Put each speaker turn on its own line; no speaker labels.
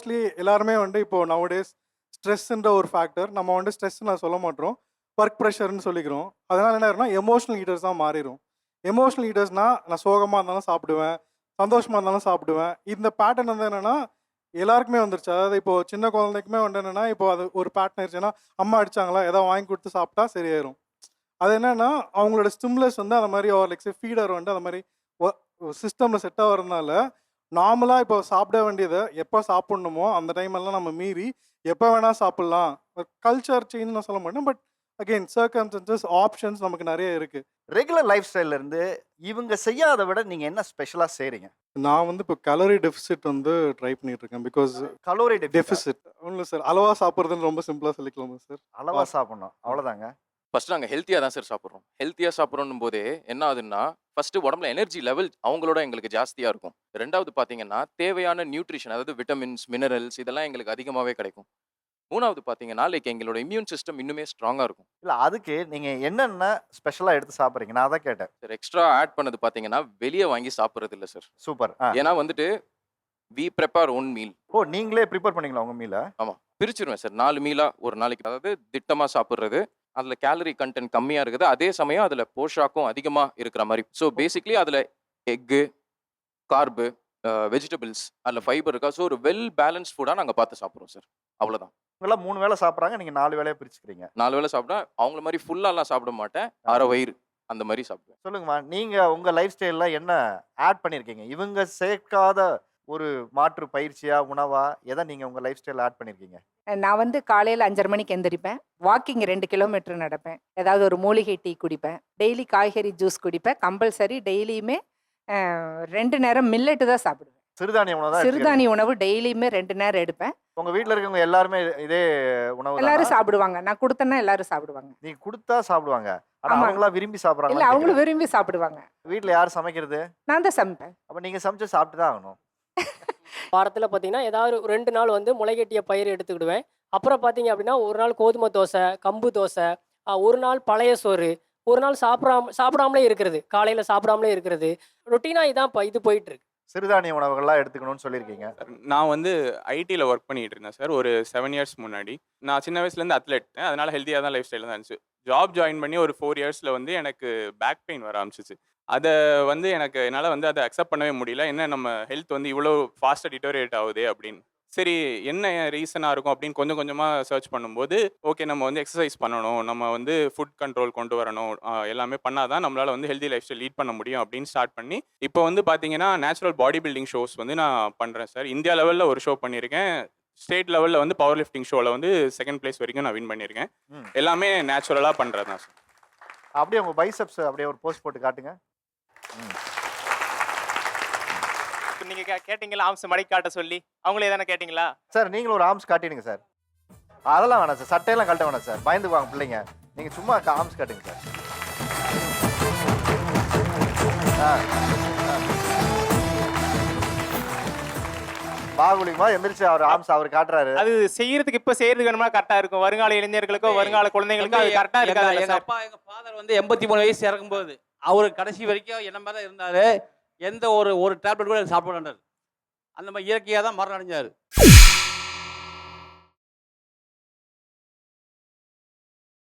Mostly எல்லாருமே வந்து இப்போ நவடேஸ் ஸ்ட்ரெஸ்ன்ற ஒரு ஃபேக்டர். நம்ம வந்து ஸ்ட்ரெஸ் நான் சொல்ல மாட்டோம். ஒர்க் ப்ரெஷர்னு சொல்லிக்கிறோம். அதனால என்ன ஆயிரும்னா எமோஷனல் ஈட்டர்ஸா மாறிரும். எமோஷனல் ஈட்டர்ஸ்னா நான் சோகமா இருந்தாலும் சாப்பிடுவேன், சந்தோஷமா இருந்தாலும் சாப்பிடுவேன். இந்த பேட்டர்ன் வந்து என்னன்னா எல்லாருக்குமே வந்துருச்சு. அதாவது இப்போ சின்ன குழந்தைக்குமே வந்து என்னன்னா, இப்போ அது ஒரு பேட்டர்ன் ஆயிருச்சுன்னா, அம்மா அடிச்சாங்களா, ஏதாவது வாங்கி கொடுத்து சாப்பிட்டா சரியாயிரும். அது என்னன்னா, அவங்களோட ஸ்டிமுலஸ் வந்து அந்த மாரி லைக் ஃபீடர் வந்து அந்த மாரி ஒ சிஸ்டம்ல செட் ஆவறதுனால, நார்மலா இப்போ சாப்பிட வேண்டியத எப்ப சாப்பிடணுமோ, அந்த டைம் எல்லாம் நம்ம மீறி, எப்ப வேணா சாப்பிடலாம். கல்ச்சர் சேஞ்ச் நான் சொல்ல மாட்டேன். பட் அகைன் சர்க்கம்ஸ்டன்சஸ், ஆப்ஷன்ஸ் நமக்கு நெறைய இருக்கு.
ரெகுலர் லைஃப் ஸ்டைல்ல இருந்து இவங்க செய்யாத விட நீங்க என்ன ஸ்பெஷலா செய்றீங்க?
நான் வந்து இப்போ கலோரி டெஃபிசிட் வந்து ட்ரை பண்ணிட்டு இருக்கேன். Because
calorie டெஃபிசிட்டா?
டெஃபிசிட் ஒண்ணும் இல்ல சார். அளவா சாப்பிடுறதுன்னு ரொம்ப சிம்பிளா சொல்லிக்கலாமா சார்?
அளவா சாப்பிடணும். அவ்வளோதாங்க.
ஃபர்ஸ்ட் நாங்க ஹெல்த்தியா தான் சார் சாப்பிடுறோம். ஹெல்த்தியா சாப்பிடுறோம்னும் போதே என்ன ஆகுதுன்னா, ஃபர்ஸ்ட் உடம்புல எனர்ஜி லெவல் அவங்களோட எங்களுக்கு ஜாஸ்தியா இருக்கும். 2வது பார்த்தீங்கன்னா, தேவையான நியூட்ரிஷன் அதாவது விட்டமின்ஸ், மினரல்ஸ் இதெல்லாம் எங்களுக்கு அதிகமாவே கிடைக்கும். 3வது பார்த்தீங்கன்னா, லைக் எங்களோட இம்யூன் சிஸ்டம் இன்னுமே ஸ்ட்ராங்கா இருக்கும்.
இல்ல அதுக்கு நீங்க என்னென்ன ஸ்பெஷலா எடுத்து சாப்பிடுறீங்க? நான் அதான் கேட்டேன்.
சார் எக்ஸ்ட்ரா ஆட் பண்ணது பார்த்தீங்கன்னா, வெளிய வாங்கி சாப்பிடுறது இல்ல சார்.
சூப்பர்.
ஏன்னா வந்துட்டு வி பிரிப்பேர் ஓன் மீல்.
ஓ! நீங்களே பிரிப்பேர் பண்ணீங்களா உங்க மீல?
ஆமா. பிரிச்சுருவேன் சார். 4 மீலா ஒரு நாளைக்கு. அதாவது திட்டமா சாப்பிடுறது. அதுல கேலரி கன்டென்ட் கம்மியா இருக்குது. அதே சமயம் அதுல போஷாக்கும் அதிகமா இருக்கிற மாரி. ஸோ பேசிக்கலி அதுல எக்கு, கார்பு, வெஜிடபிள்ஸ், அதுல ஃபைபர் இருக்கா. ஸோ ஒரு வெல் பேலன்ஸ்ட் ஃபுட்டா நாங்க பார்த்து சாப்பிடுறோம் சார். அவ்வளோதான்.
இவங்கலாம் 3 வேள சாப்பிடுறாங்க. நீங்க 4 வேளையா பிரிச்சுக்கிறீங்க.
4 வேளை சாப்பிட்டா அவங்கள மாரி ஃபுல்லாலாம் சாப்பிட மாட்டேன். அரை வயிறு அந்த மாரி சாப்பிடுவேன்.
சொல்லுங்கம்மா. நீங்க உங்க லைஃப் ஸ்டைல்ல என்ன ஆட் பண்ணியிருக்கீங்க? இவங்க சேர்க்காத ஒரு மாற்று பயிற்சியா, உணவா எத நீங்க உங்க லைஃப் ஸ்டைல்ல ஆட் பண்ணியிருக்கீங்க?
நான் வந்து காலையில் 5:30 மணிக்கு எந்திரிப்பேன். வாக்கிங் 2 கிலோமீட்டர் நடப்பேன். ஏதாவது ஒரு மூலிகை டீ குடிப்பேன். டெய்லி காய்கறி ஜூஸ் குடிப்பேன். கம்பல்சரி டெய்லியுமே 2 நேரம் மில்லட்டு தான் சாப்பிடுவேன்.
சிறுதானிய உணவு தான்
சிறுதானிய உணவு டெய்லியுமே 2 நேரம் எடுப்பேன்.
உங்க வீட்ல இருக்கவங்க எல்லாருமே இதே உணவு
எல்லாரும்
தானா?
சாப்பிடுவாங்க. நான் கொடுத்தேன்னா எல்லாரும் சாப்பிடுவாங்க.
நீங்க குடுத்தா சாப்பிடுவாங்க. ஆனா
ஆமா.
அவங்களா விரும்பி
இல்ல
சாப்பிடுறாங்களா?
அவங்களும் விரும்பி சாப்பிடுவாங்க.
வீட்ல யார் சமைக்கிறது?
நான் தான் சமைப்பேன்.
அப்ப நீங்க சமைச்சு சாப்பிட்டு தான் ஆகணும்.
வாரத்தில் பார்த்தீங்கன்னா ஏதாவது 2 நாள் வந்து முளைகட்டிய பயிர் எடுத்துக்கிடுவேன். அப்புறம் பார்த்தீங்க அப்படின்னா ஒரு நாள் கோதுமை தோசை, கம்பு தோசை, ஒரு நாள் பழைய சோறு, ஒரு நாள் சாப்பிடாமலே இருக்கிறது, காலையில் சாப்பிடாமலே இருக்கிறது. ரொட்டீனாக இதான் இது போயிட்டு இருக்கு.
சிறுதானிய உணவுகள்லாம் எடுத்துக்கணும்னு சொல்லியிருக்கீங்க.
நான் வந்து ஐடியில் ஒர்க் பண்ணிட்டு இருந்தேன் சார் ஒரு 7 இயர்ஸ் முன்னாடி. நான் சின்ன வயசுலேருந்து அத்லெட், அதனால ஹெல்த்தியாக தான் லைஃப் ஸ்டைலில் தான் இருந்துச்சு. ஜாப் ஜாயின் பண்ணி ஒரு 4 இயர்ஸில் வந்து எனக்கு பேக் பெயின் வர ஆரம்பிச்சிச்சு. அதை வந்து என்னால் வந்து அதை அக்செப்ட் பண்ணவே முடியல. என்ன நம்ம ஹெல்த் வந்து இவ்வளோ ஃபாஸ்ட்டாக டிட்டோரியேட் ஆகுது அப்படின்னு. சரி என்ன ரீசனாக இருக்கும் அப்படின்னு கொஞ்சம் கொஞ்சமாக சர்ச் பண்ணும்போது, ஓகே நம்ம வந்து எக்ஸசைஸ் பண்ணணும், நம்ம வந்து ஃபுட் கண்ட்ரோல் கொண்டு வரணும், எல்லாமே பண்ணால் தான் நம்மளால் வந்து ஹெல்தி லைஃப் ஸ்டைல் லீட் பண்ண முடியும் அப்படின்னு ஸ்டார்ட் பண்ணி, இப்போ வந்து பார்த்தீங்கன்னா நேச்சுரல் பாடி பில்டிங் ஷோஸ் வந்து நான் பண்ணுறேன் சார். இந்தியா லெவலில் ஒரு ஷோ பண்ணியிருக்கேன். ஸ்டேட் லெவலில் வந்து பவர் லிஃப்டிங் ஷோவில் வந்து 2nd பிளேஸ் வரைக்கும் நான் வின் பண்ணியிருக்கேன். எல்லாமே நேச்சுரலாக பண்ணுறது தான் சார்.
அப்படியே உங்க பைசப்ஸ் அப்படியே ஒரு போஸ்ட் போட்டு காட்டுங்க.
இப்போ நீங்க கேட்டீங்களா ஆம்ஸ் மடக்கி காட்ட சொல்லி, அவங்களே தானே கேட்டீங்களா?
சார் நீங்களும் ஒரு ஆர்ம்ஸ் காட்டிடுங்க சார். அதெல்லாம் வேணாம் சார். சட்டையெல்லாம் கழட்ட வேணாம் சார். பயந்துக்குவாங்க பிள்ளைங்க. நீங்க சும்மா ஆர்ம்ஸ் காட்டுங்க சார். பாகுலிமா எந்திரிச்சு அவர் ஆர்ம்ஸ் அவர் காட்டுறாரு.
அது செய்யறதுக்கு இப்ப செய்யறதுக்கு வேணுமா கரெக்டா இருக்கும். வருங்கால இளைஞர்களுக்கோ வருங்கால குழந்தைகளுக்கோ அது கரெக்டா இருக்காது.
எங்க ஃபாதர் வந்து 83 வயசு இறக்கும்போது அவரு கடைசி வரைக்கும் என்ன மாதிரி தான் இருந்தாரு. எந்த ஒரு டேப்லெட் கூட சாப்பிட வேண்டாரு. அந்த மாதிரி இயற்கையாக தான் மரணம் அடைஞ்சாரு.